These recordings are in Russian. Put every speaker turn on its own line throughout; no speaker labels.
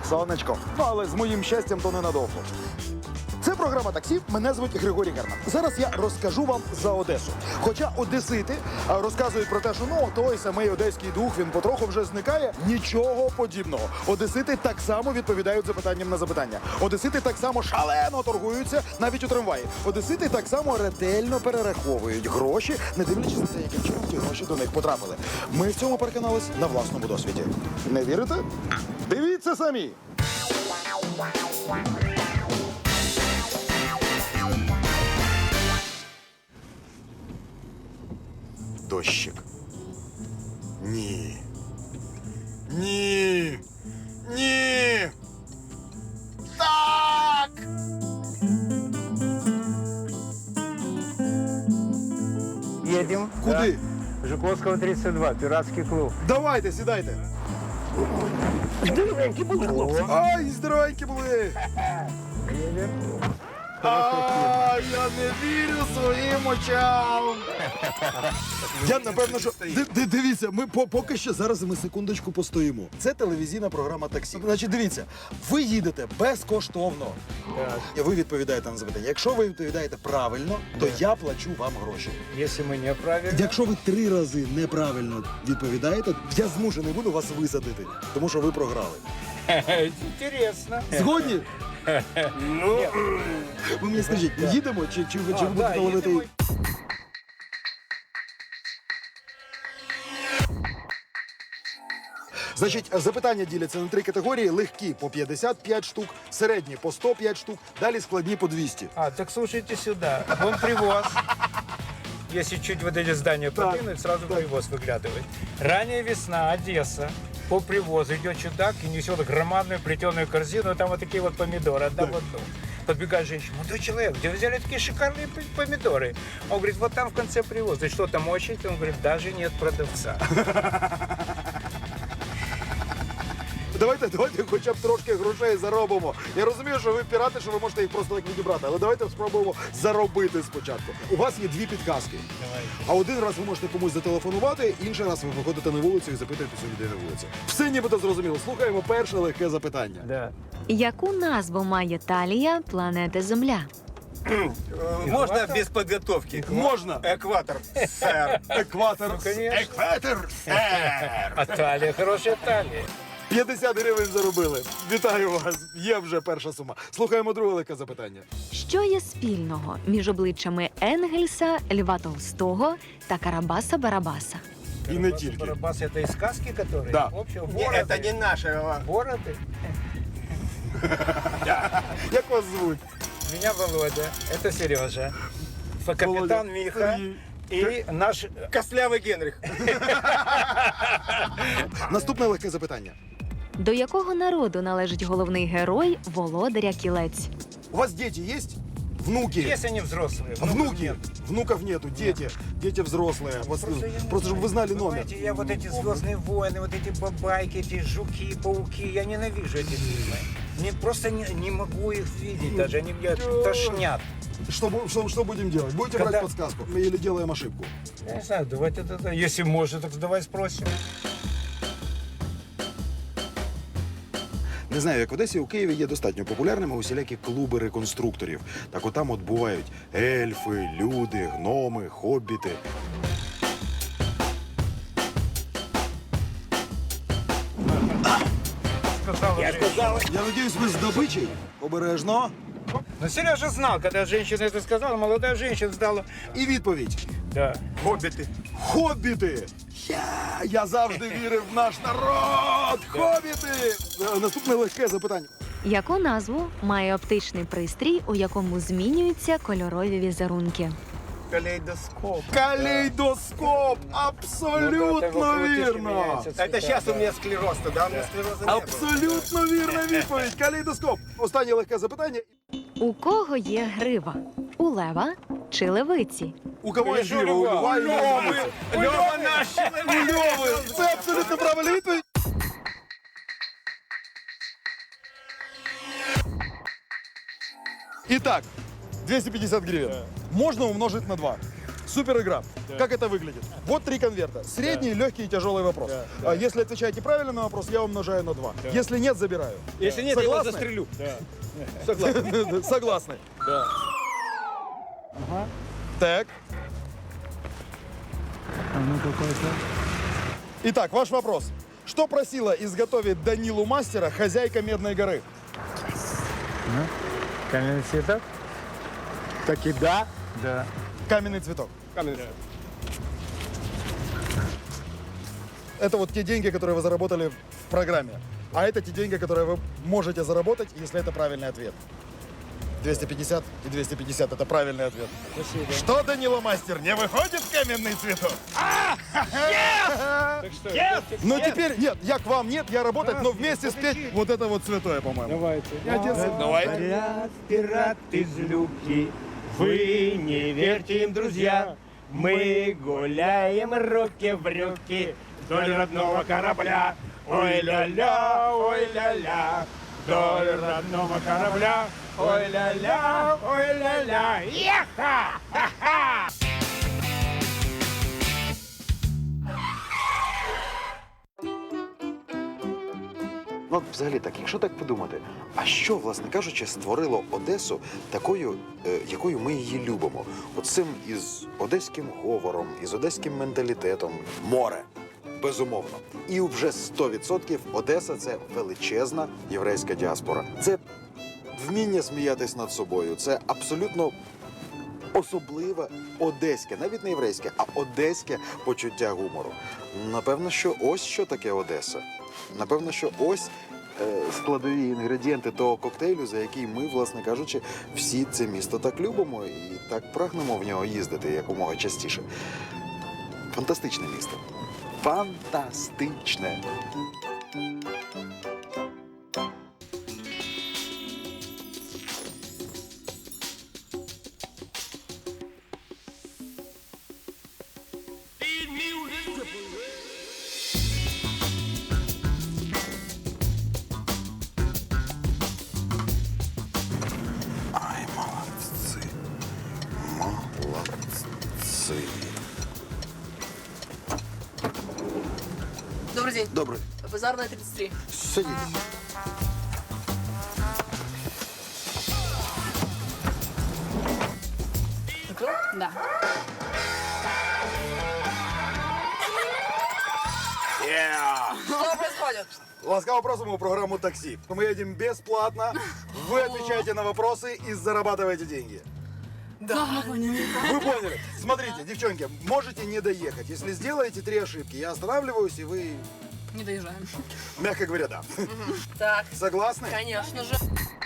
сонечко. Ну, але з моїм щастям то ненадовго. Це програма «Таксі», мене звуть Григорій Герман. Зараз я розкажу вам за Одесу. Хоча одесити розказують про те, що той самий одеський дух, він потроху вже зникає. Нічого подібного. Одесити так само відповідають запитанням на запитання. Одесити так само шалено торгуються навіть у трамваї. Одесити так само ретельно перераховують гроші, не дивлячись на те, яким чином ті гроші до них потрапили. Ми в цьому переконались на власному досвіді. Не вірите? Дивіться самі! Дощик. Ні. Ні. Ні. Так!
Едем.
Куди?
Да. Жуковского 32, пиратский клуб.
Давайте, сідайте.
Здоровенький был хлопцы.
Ай, здоровенькі були.
Едем.
Ай, я не вірю своїм очам. Я, напевно, що... Дивіться, ми поки що зараз ми секундочку постоїмо. Це телевізійна програма «Таксі». Значить, дивіться, ви їдете безкоштовно.
Так.
І ви відповідаєте на запитання. Якщо ви відповідаєте правильно, то я плачу вам гроші.
Если мы неправильно...
Якщо ви 3 рази неправильно відповідаєте, я змушений буду вас висадити, тому що ви програли.
Интересно.
Згодні?
Ну,
Ви мені скажіть, їдемо чи ви будете ловити?
едем.
Значить, запитання діляться на 3 категорії. Легкі по 55 штук, середні по 105 штук, далі складні по 200.
Так слушайте сюда. Вон привоз. Если чуть вот эти здания
Так,
подвинуть, сразу привоз выглядывает. Ранняя весна, Одесса. По привозу идет чудак и несет громадную плетеную корзину, там вот такие вот помидоры, одна в одну. Подбегает женщина: молодой человек, где вы взяли такие шикарные помидоры? Он говорит: вот там в конце привоза. И что там очередь? Он говорит: даже нет продавца.
Давайте хоча б трошки грошей заробимо. Я розумію, що ви пірати, що ви можете їх просто так відібрати, але давайте спробуємо заробити спочатку. У вас є 2 підказки. А один раз ви можете комусь зателефонувати, інший раз ви виходите на вулицю і запитуєтеся у людей на вулиці. Все нібито зрозуміло. Слухаємо перше легке запитання.
Да.
Яку назву має талія планети Земля?
Можно без подготовки?
Можна.
Экватор, сэр.
Екватор.
Ну, конечно.
Екватор. Сер.
А талия, хорошая талия.
50 гривень заробили. Вітаю вас. Є вже перша сума. Слухаємо друге легке запитання.
Що є спільного між обличчями Енгельса, Льва Толстого та Карабаса-Барабаса?
І не тільки.
Барабас — это из сказки, которые?
Да.
В общем,
Не,
бороды.
это не наше.
Бороды.
Як вас звуть?
Меня Володя, это Сережа, капитан Миха и наш...
Костлявый Генрих.
Наступне легке запитання.
До якого народу належить головний герой Володаря Кілець?
У вас дети есть? Внуки?
Если они взрослые.
Внуки?
Нет.
Внуков нету, дети. Дети взрослые. Просто чтобы вы знали номер.
Понимаете, я вот эти «Звездные войны», вот эти бабайки, эти жуки, пауки, я ненавижу эти фильмы. Просто не могу их видеть даже, они меня тошнят.
Что будем делать? Будете
Когда-
брать подсказку? Или делаем ошибку?
Я не знаю, давайте тогда, если можно, так давай спросим.
Не знаю, як в Одесі, у Києві є достатньо популярними усілякі клуби реконструкторів. Так от там от бувають ельфи, люди, гноми, хобіти.
Я сказал.
Я надіюсь, ви з добичі? Обережно.
Но Сережа знал, когда женщина это сказала, молодая женщина сдала.
І відповідь.
Да.
Хоббиты.
Хобіти! Я завжди вірив в наш народ! Хобіти! Наступне легке запитання.
Яку назву має оптичний пристрій, у якому змінюються кольорові візерунки?
Калейдоскоп.
Калейдоскоп! Абсолютно вірно!
Это сейчас у меня склероз, да? У меня склероза не было.
Абсолютно вірна відповідь! Калейдоскоп! Останнє легке запитання.
У кого є грива? У лева чи левиці?
У кого є
Конечно,
грива? У
Льва.
Льва і Львиці.
Лёва наш
У Льови! Це абсолютно правильна відповідь! І так, 250 гривень. Можна умножити на 2. Супер игра. Как это выглядит? Вот 3 конверта. Средний, легкий и тяжелый вопрос. Если отвечаете правильно на вопрос, я умножаю на 2. Если нет, забираю.
Если нет, я его
Согласны?
застрелю.
Согласны.
Да.
Так. Итак, ваш вопрос. Что просила изготовить Данилу Мастера хозяйка Медной горы?
Каменный цветок?
Таки да.
Да.
Каменный цветок.
Каменный.
Это вот те деньги, которые вы заработали в программе. А это те деньги, которые вы можете заработать, если это правильный ответ. 250 и 250 – это правильный ответ.
Спасибо.
Что, Данила Мастер, не выходит каменный цветок?
Так что,
Ну теперь, нет, я к вам нет, я работать, но вместе спеть вот это вот святое, по-моему.
давайте.
Давайте.
Говорят, пират из люки, вы не верьте им, друзья. Мы гуляем руки в руки вдоль родного корабля. Ой-ля-ля, ой-ля-ля, вдоль родного корабля. Ой-ля-ля, ой-ля-ля, яха! Ха-ха!
Ну, от взагалі так, якщо так подумати, а що, власне кажучи, створило Одесу такою, якою ми її любимо? От цим із одеським говором, із одеським менталітетом. Море. Безумовно. І вже 100% Одеса – це величезна єврейська діаспора. Це вміння сміятись над собою. Це абсолютно особливе одеське, навіть не єврейське, а одеське почуття гумору. Напевно, що ось що таке Одеса. Напевно, що ось складові інгредієнти того коктейлю, за який ми, власне кажучи, всі це місто так любимо і так прагнемо в нього їздити якомога частіше. Фантастичне місто. Фантастичне. Ай, молодці. Молодці.
Добрый день.
Добре,
Базарная 33.
сидіть.
Закрыл? Да. Что происходит?
Ласкаво просим в программу «Такси». Мы едем бесплатно, вы отвечаете на вопросы и зарабатываете деньги.
Да.
Вы поняли? Смотрите, девчонки, можете не доехать. Если сделаете 3 ошибки, я останавливаюсь, и вы,
Не доезжаем.
мягко говоря, да.
Так,
Согласны?
конечно же.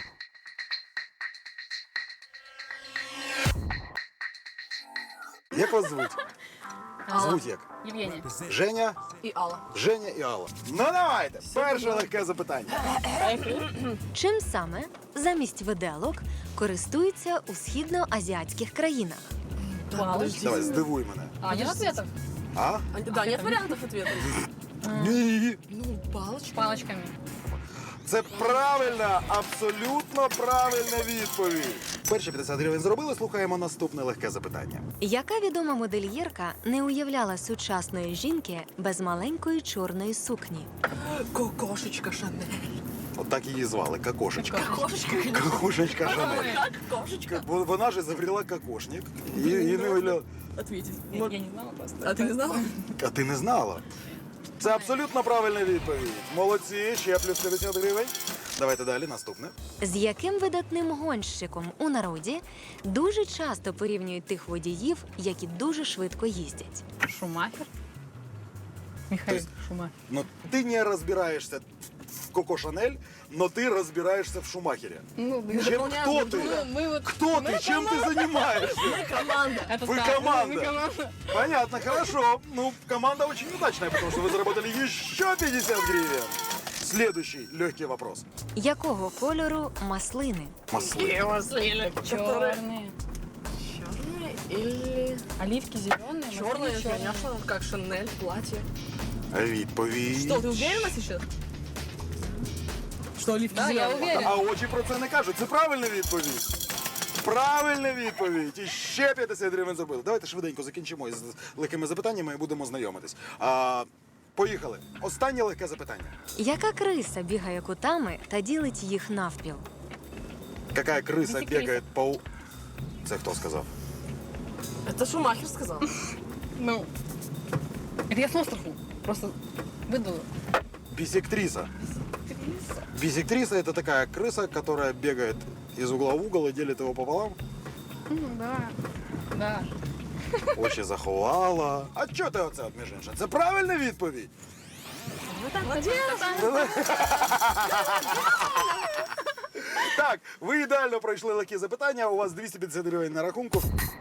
Як вас звуть? Звуть як?
Евгения.
Женя,
И Алла.
Женя і Алла. Ну давайте, перше легке запитання.
Чим саме замість виделок користуються у східноазіатських країнах?
Палочки.
Давай, здивуй мене.
А, нет ответов?
А?
Да, нет вариантов ответа.
Ні.
Ну, палочки. Палочками.
Це правильна, абсолютно правильна відповідь. Перші 50 гривень зробили, слухаємо наступне легке запитання.
Яка відома модельєрка не уявляла сучасної жінки без маленької чорної сукні?
Кокошечка Шанель.
От так її звали, Кокошечка.
Кокошечка.
Кокошечка Шанель.
Как кошечка?
Бо вона ж изобрела кокошник. І не уявляла.
Ответить. Я не знала просто. А ты не знала?
А ти не знала? Це абсолютно правильна відповідь. Молодці, ще плюс 50 гривень. Давайте далі, наступне.
З яким видатним гонщиком у народі дуже часто порівнюють тих водіїв, які дуже швидко їздять?
Шумахер. Михаил Шумахер.
Ну, ти не розбираєшся в Коко Шанель, но ти розбираєшся в Шумахере.
Ну,
Чем, кто ты?
Мы вот...
Кто ты? Чем ты занимаешься?
Команда. Это
Вы
так,
команда.
Мы команда.
Понятно, хорошо. Ну, команда очень удачная, потому что вы заработали еще 50 гривен. Следующий легкий вопрос.
Якого кольору маслини?
Маслы.
Маслины.
Черные.
Черные или...
Оливки зеленые.
Черные, конечно, как Шанель, платье.
Відповідь.
Что, ты уверена сейчас? Что, оливки
Да, я
зеленые?
уверена.
А очі про це не кажуть. Це правильна відповідь. Правильна відповідь! І ще 50 гривень зробили. Давайте швиденько закінчимо із легкими запитаннями і будемо знайомитись. Поїхали. Останнє легке запитання.
Яка криса бігає кутами та ділить їх навпіл?
Яка криса
Бісектриса.
бігає по... Це хто сказав?
Это Шумахер сказал.
Ну, это я с острова. Просто выдала.
Бисектриса. Бисектриса — это такая крыса, которая бегает из угла в угол и делит его пополам.
Ну, да. Да.
Очі заховала. А чого ти оце, між іншим? Це правильна відповідь. Так, ви ідеально пройшли легкі запитання. У вас 250 гривень на рахунку.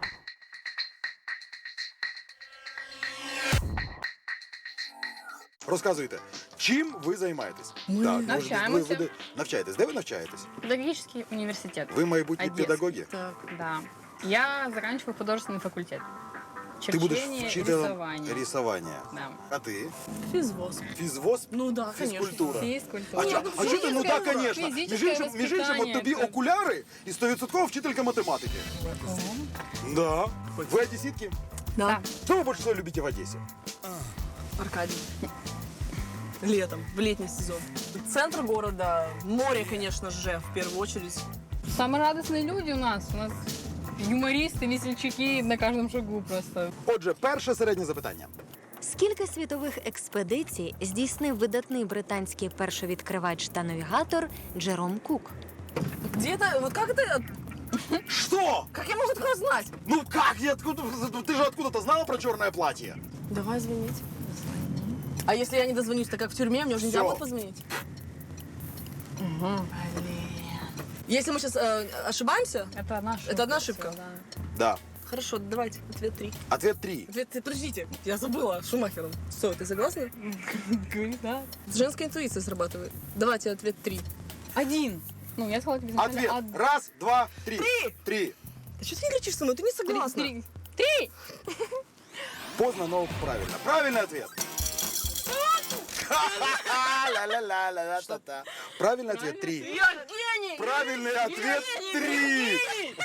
Розказуйте, чим ви займаєтесь?
Ми
навчаємося.
Ви навчаєтесь. Де ви навчаєтесь?
Педагогический университет.
Ви майбутні
Одесский.
педагоги?
Так.
Да. Я заканчиваю художественный факультет.
Ти будеш
Черчение,
вчителем
рисование.
рисування.
Да.
А ти?
Физвоз.
Фізвоз?
Ну да, конечно.
Фізкультура.
Физкультура.
А чого ти? Ну так,
Физическое
звісно. Між
воспитание,
іншим, от тобі
это-
окуляри і 100% вчителька математики. Да. Ви одеситки?
Да.
Что вы больше всего любите в Одессе?
Аркадий. Летом, в летний сезон. Центр города, море, конечно же, в первую очередь.
Самые радостные люди у нас. У нас юмористы, весельчаки на каждом шагу просто.
Отже, перше середнє запитання.
Скільки світових експедицій здійснив видатний британський першовідкривач та навігатор Джером Кук?
Где это? Вот как это?
Что?
Как я могу такое знать?
Ну как? Ты же откуда-то знала про черное платье?
Давай звонить. А если я не дозвонюсь, так как в тюрьме, мне уже нельзя
Всё.
будет позвонить? Блин. Если мы сейчас ошибаемся,
Это одна ошибка.
Это одна ошибка?
всё, да.
Да.
хорошо, давайте, ответ 3.
Ответ 3.
Подождите, я забыла Шумахером. Все, ты согласна?
Говори, да.
Женская интуиция срабатывает. Давайте ответ 3.
Один. Ну, я сказала тебе изначально
Ответ. Раз, два, три. 3.
Ты что ты не кричишь со мной? Ты не согласна.
Три.
Поздно, но правильно. Правильный ответ. Ла-ла-ла-ла-ла-ла-та-та. Правильный ответ 3.
Я гений!
Правильный ответ 3.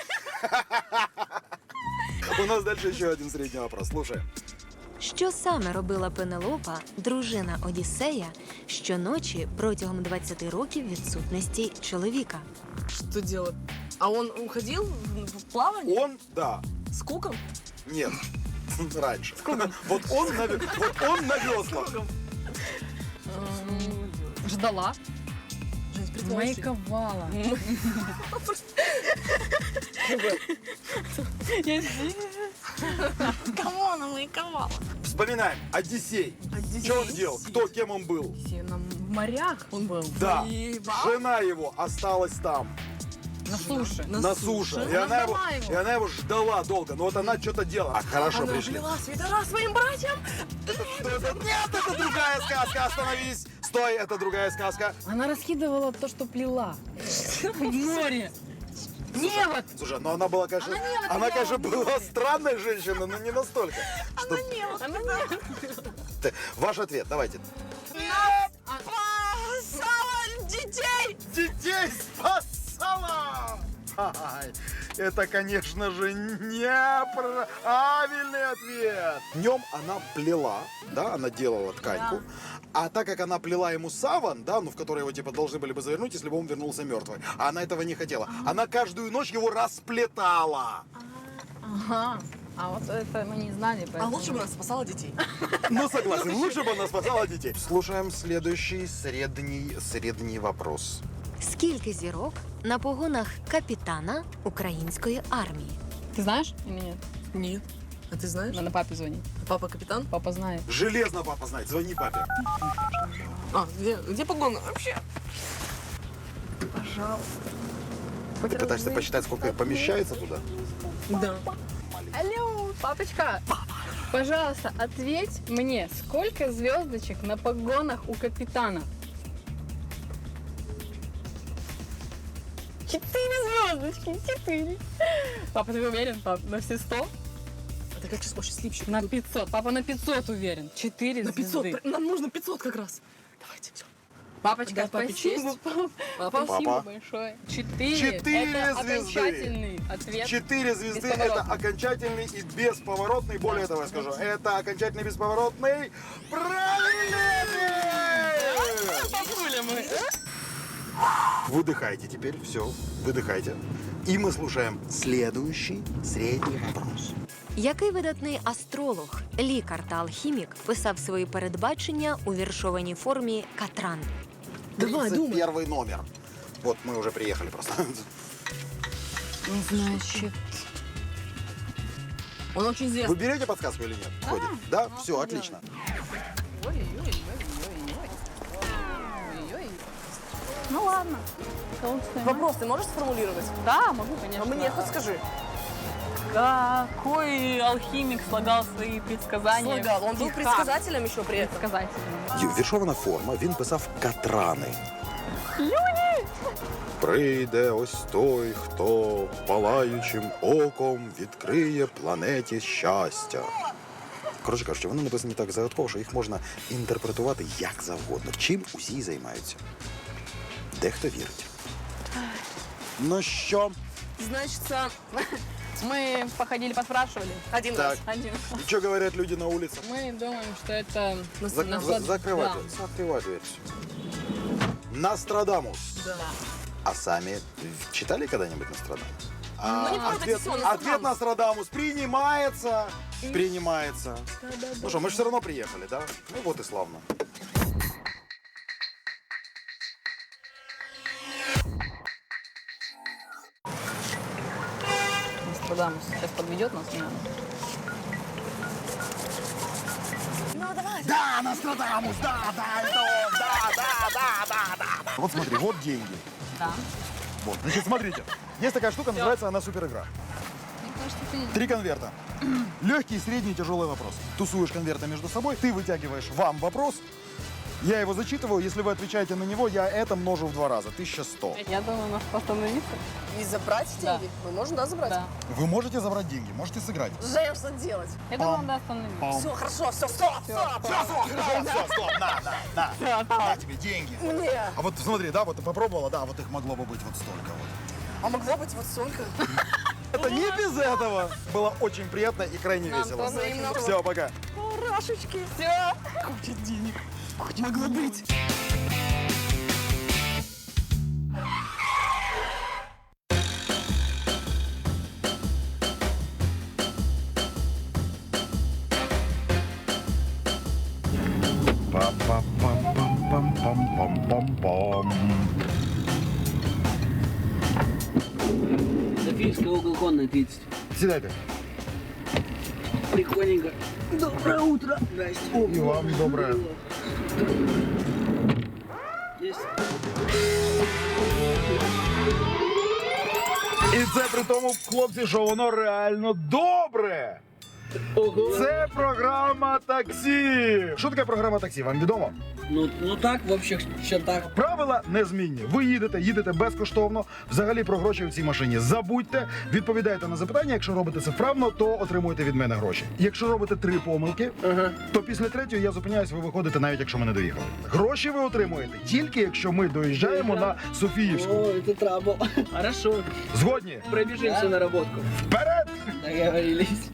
У нас дальше еще один средний вопрос. Слушай.
Що саме робила Пенелопа, дружина Одіссея, щоночі протягом 20 років відсутності чоловіка?
Что делать? А он уходил в плавание?
Он, да.
С куком?
Нет. Раньше. Вот он на веслах.
Ждала.
Жень, притворись.
Майковала.
Кого она маяковала?
Вспоминаем. Одиссей. Что он делал? Кто, кем он был?
В морях он был.
Да.
Воевал?
Жена его осталась там,
На суше.
на суше. И
Она
она его,
ждала его.
и она его ждала долго. Но вот она что-то делала. Хорошо,
Она
пришли.
плела свитера своим братьям?
Нет, это другая сказка. Остановись. Стой, это другая сказка.
Она раскидывала то, что плела. В море. Невод.
Слушай, ну она была, конечно, она, конечно, была странной женщиной, но не настолько. Что...
Она невод.
Ваш ответ, давайте.
Спасала детей!
Детей спасала! Ай, это, конечно же, неправильный ответ. Днем она плела, да, она делала тканьку. А так как она плела ему саван, да, ну в который его типа должны были бы завернуть, если бы он вернулся мертвый, а она этого не хотела. Она каждую ночь его расплетала.
Ага. А вот это мы не знали,
А
поэтому...
лучше бы она спасала детей.
Ну согласен, лучше бы она спасала детей. Слушаем следующий средний вопрос.
Скільки зірок на погонах капітана української армії?
Ты знаешь или нет?
Нет. А ты знаешь?
Надо папе звонить.
Папа капитан?
Папа знает.
Железно папа знает, звони папе.
А, где погоны? Вообще. Пожалуйста.
Ты пытаешься посчитать, сколько помещается туда?
Да.
Алло, папочка. Пожалуйста, ответь мне, сколько звездочек на погонах у капитана? 4 звездочки, 4. Папа, ты уверен, пап, на все 100?
Это как число счастливчик.
На 500. Папа на 500 уверен. 4
На 500.
звезды.
Нам нужно 500 как раз. Давайте, все. Папочка,
Да,
папе честь.
спасибо,
Папа.
спасибо большое. 4.
4
Это
звезды.
окончательный ответ.
4 звезды – это
Бесповоротный.
окончательный и бесповоротный. Более того, я скажу, это окончательный бесповоротный правильный ответ!
Папуля мы.
Выдыхайте теперь, все, выдыхайте. И мы слушаем следующий средний вопрос.
Який видатний астролог, лікар та алхімік писав свої передбачення у віршованій формі Катран?
Давай, думай.
31 номер. Вот мы уже приехали просто.
Значит,
Он очень
Вы
известный.
берете подсказку или нет? Входит? Да? Все, отлично.
ну ладно.
Вопрос ты можешь сформулировать?
Да, могу, конечно.
А мне хоть скажи.
Какой алхимик слагал свои предсказания?
Слагал. Он был
в стихах?
предсказателем еще при этом.
Предсказателем.
Віршована форма, він писав Катрани. Прийде ось той, хто палаючим оком відкриє планеті щастя. Коротше кажучи, вони написані так загадково, що їх можна інтерпретувати як завгодно. Чим усі займаються. Дехто вірить. Ну що?
Значит,
Мы походили, поспрашивали.
один
Так.
раз.
Один.
Що говорять люди на вулиці?
Мы думаем, что это...
Закривайте,
Да.
закривай дверь. Нострадамус.
Да.
А сами читали когда-нибудь Нострадамус?
Ну, не помню,
ответ,
все,
ответ Нострадамус принимается. Принимается. Ну что, мы же все равно приехали, да? Ну вот и славно.
Нострадамус сейчас подведет нас, наверное.
Да, Нострадамус, да, это он, да. Вот смотри, вот деньги.
Да.
Вот, значит, смотрите. Есть такая штука, называется она суперигра.
Мне кажется, ты...
3 конверта. Легкий, средний, тяжелый вопрос. Тусуешь конверты между собой, ты вытягиваешь вам вопрос, я его зачитываю, если вы отвечаете на него, я это множу в 2 раза, 1100.
Я думаю, нас остановиться.
И забрать
Да.
деньги? Мы можем, да, забрать?
Да.
Вы можете забрать деньги, можете сыграть.
Жень, что делать?
Я думаю, надо остановиться.
Все, хорошо, все, стоп, стоп.
Все, стоп, на тебе деньги.
Мне.
А вот смотри, да, вот ты попробовала, да, вот их могло бы быть вот столько вот.
А могло быть вот столько.
Это не без этого. Было очень приятно и крайне
Нам
весело.
тоже взаимно.
Все, пока.
Рашечки.
Все.
Куча денег. Могло быть.
Софийский угол конный 30.
Сідайте.
Прикольненько. Доброе утро. Здрасте.
И вам доброе.
Есть.
І це при тому, хлопці, що воно реально добре.
Ого.
Це програма таксі. Що таке програма таксі? Вам відомо?
Ну так, в общих чертах.
Правила незмінні. Ви їдете безкоштовно. Взагалі про гроші в цій машині забудьте. Відповідаєте на запитання. Якщо робите це вправно, то отримуєте від мене гроші. Якщо робите 3 помилки, то після 3-ї я зупиняюсь, ви виходите, навіть якщо ми не доїхали. Гроші ви отримуєте тільки якщо ми доїжджаємо на Софіївську.
О, это трабл. Хорошо.
Згодні?
Пробежимся на работку.
Вперед!
Договорились.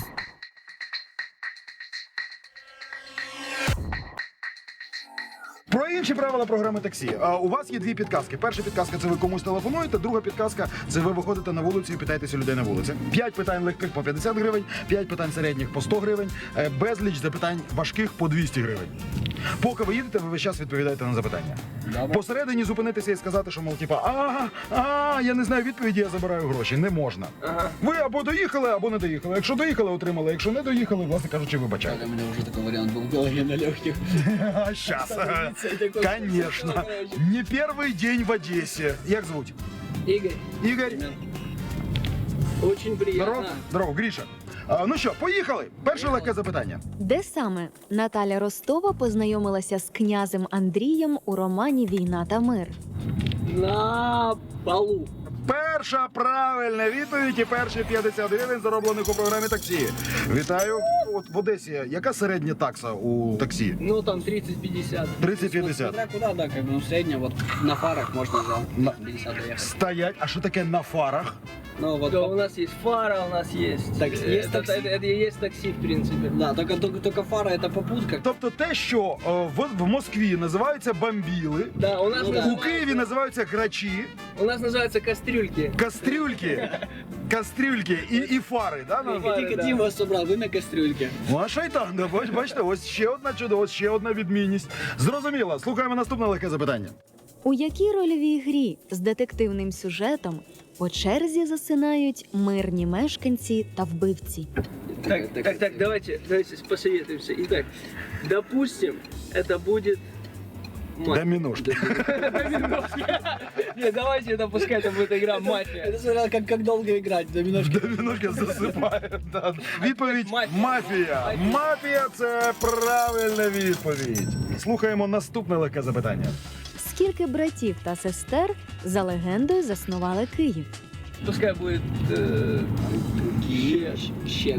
Про інші правила програми таксі. У вас є 2 підказки. Перша підказка – це ви комусь телефонуєте, друга підказка – це ви виходите на вулицю і питаєтеся людей на вулиці. 5 питань легких по 50 гривень, 5 питань середніх по 100 гривень, безліч запитань важких по 200 гривень. Поки ви їдете, ви весь час відповідаєте на запитання. Посередині зупинитися і сказати, що, мол, типа, я не знаю відповіді, я забираю гроші. Не можна. Ви або доїхали, або не доїхали. Якщо доїхали, отримали. Якщо не доїхали, власне кажучи, вибачайте.
У меня уже такой вариант был в голове на легких.
Сейчас. Конечно. Не первый день в Одессе. Як звуть?
Игорь.
Ігор.
Очень приятно.
Здорово. Здорово, Гріша. Ну що, поїхали? Перше легке запитання.
Де саме Наталя Ростова познайомилася з князем Андрієм у романі «Війна та мир»?
На полу.
Перша правильна відповідь і перші 50 гривень зароблених у програмі таксі. Вітаю. от в Одесі, яка середня такса у таксі?
Ну, там 30-50.
30-50.
Смотря куда, да, как бы, ну, в среднем, вот на фарах можно за 50 доехать.
Стоять. А що таке на фарах?
Ну, вот,
Да, у нас есть фара, у нас есть...
Так, есть такси.
Это есть такси, в принципе.
да, только фара это попутка.
Тобто те, що в Москві називаються бамбіли,
Да, у нас,
Ну, да.
у Києві називаються грачі,
у нас называются кастрюльки.
кастрюльки і фари, да?
Фари,
Тільки
да.
Діма собрав, ви на кастрюльки.
Ну, а шайтан, да, бачите, ось ще одна чудо, ось ще одна відмінність. Зрозуміло. Слухаємо наступне легке запитання.
У якій рольовій грі з детективним сюжетом по черзі засинають мирні мешканці та вбивці?
Так, давайте посоветуемся. Итак, допустим, это будет...
Доміношки.
Нет, давайте это пускай это будет игра «Мафия».
Это смотря как долго играть, доминошки.
Доміношки засипає. Да. Відповідь
Мафія.
мафія. Мафія – це правильна відповідь. Слухаємо наступне легке запитання.
Скільки братів та сестер за легендою заснували Київ?
Пускай будет...
Щек.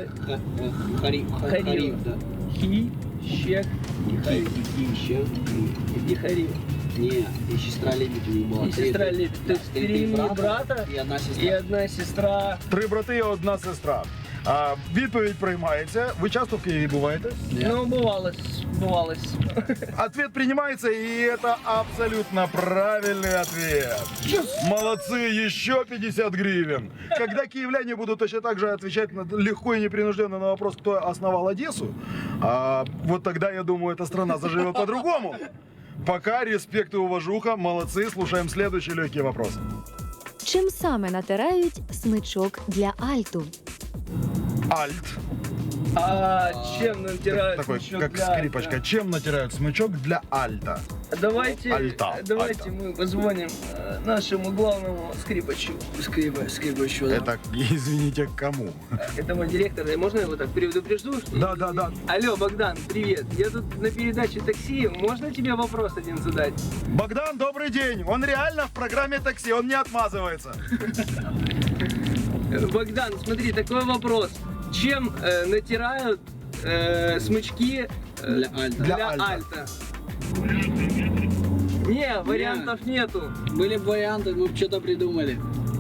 Хариф, да.
Хи, Щек
Щек.
и Хариф.
Не, и сестра Лебедь у них была.
И сестра Лебедь. То есть 3 брата
и одна
и
сестра.
одна сестра.
3 брати і 1 сестра. А відповідь приймається. Ви часто в Києві буваєте?
Ну, бывалось.
Ответ принимается, и это абсолютно правильный ответ. Молодцы, еще 50 гривен. Когда киевляне будут точно так же отвечать легко и непринужденно на вопрос, кто основал Одессу, вот тогда, я думаю, эта страна заживет по-другому. Пока респект и уважуха, молодцы. Слушаем следующий легкий вопрос.
Чим саме натирають смичок для альту?
Альт.
А чем натирают
Такой,
смычок
как
для
скрипочка.
альта?
Чем натирают смычок для альта?
Давайте
Альта.
мы позвоним нашему главному скрипачу.
Скрипачу.
Это, извините, к кому?
Это мой директор. Можно его так предупрежду? что-
Да.
Алло, Богдан, привет. Я тут на передаче такси. Можно тебе вопрос один задать?
Богдан, добрый день. Он реально в программе такси, он не отмазывается.
Богдан, смотри, такой вопрос. Чем натирают смычки
Для альта.
Для
для
альта.
альта? Не, вариантов нету.
Были бы варианты, мы бы что-то придумали.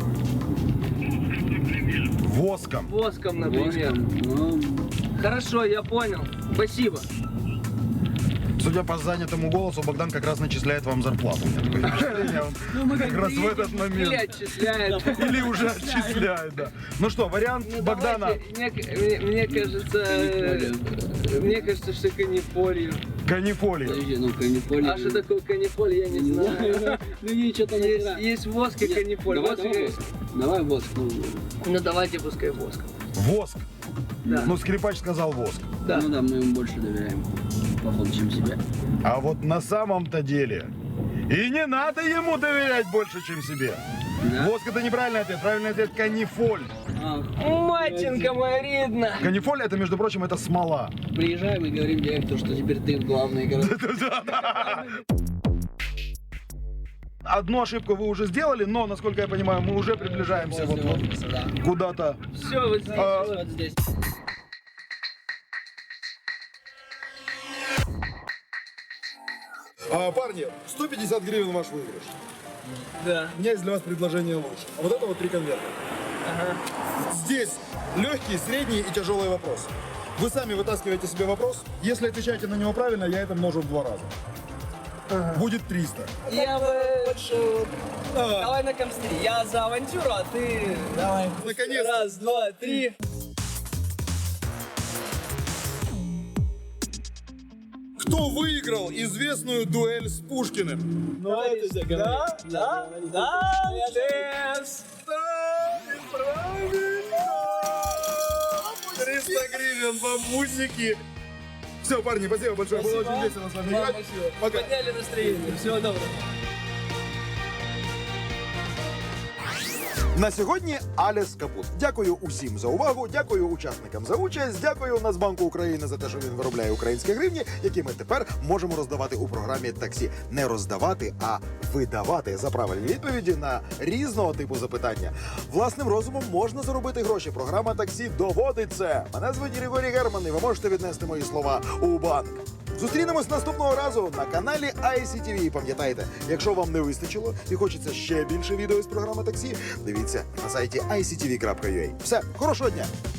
Воском.
Воском, например.
Ну,
Хорошо, я понял. Спасибо.
Судя по занятому голосу, Богдан как раз начисляет вам зарплату. У меня такое впечатление, он как раз в этот
Или
момент.
отчисляет.
Или уже отчисляет, да. Ну что, вариант
Ну,
Богдана.
давайте, мне кажется, что канифолью.
Канифолия.
подожди, ну канифоль.
А что такое канифоль, я не
Не
знаю.
знаю. Ну ей что-то
Есть воск и канифоль.
Давай
Воск-
воск. Давай воск.
Ну давайте пускай воск.
Воск.
Да.
Ну, скрипач сказал воск.
Да.
Ну да, мы им больше доверяем, походу, чем себе.
А вот на самом-то деле и не надо ему доверять больше, чем себе.
Да?
Воск — это неправильный ответ. Правильный ответ — канифоль.
Матинка моя рідна.
Канифоль — это, между прочим, это смола.
Приезжаем и говорим директору, что теперь ты главный город.
Одну ошибку вы уже сделали, но, насколько я понимаю, мы уже приближаемся вот
Да.
куда-то.
Все, вот здесь.
Вот здесь.
Парни, 150 гривен ваш выигрыш.
Да.
У меня есть для вас предложение лучше. Вот это вот 3 конверта. Здесь легкий, средний и тяжелый вопрос. Вы сами вытаскиваете себе вопрос. Если отвечаете на него правильно, я это множу в 2 раза. Будет 300.
Я бы... Давай на комстри. Я за авантюру, а ты... Давай.
Наконец-то.
Раз, два, три.
Кто выиграл известную дуэль с Пушкиным?
Ну, это да, молодец.
300 гривен бабусики. Все, парни, спасибо большое. Было очень весело с вами играть. Пока.
Подняли настроение. Всего доброго.
На сьогодні Аліс Капут. Дякую усім за увагу, дякую учасникам за участь, дякую Нацбанку України за те, що він виробляє українські гривні, які ми тепер можемо роздавати у програмі таксі. Не роздавати, а видавати за правильні відповіді на різного типу запитання. Власним розумом можна заробити гроші. Програма таксі доводить це. Мене звуть Григорій Герман, і ви можете віднести мої слова у банк. Зустрінемось наступного разу на каналі ICTV. І пам'ятайте, якщо вам не вистачило і хочеться ще більше відео з програми таксі, дивіться на сайті ictv.ua. Все, хорошого дня!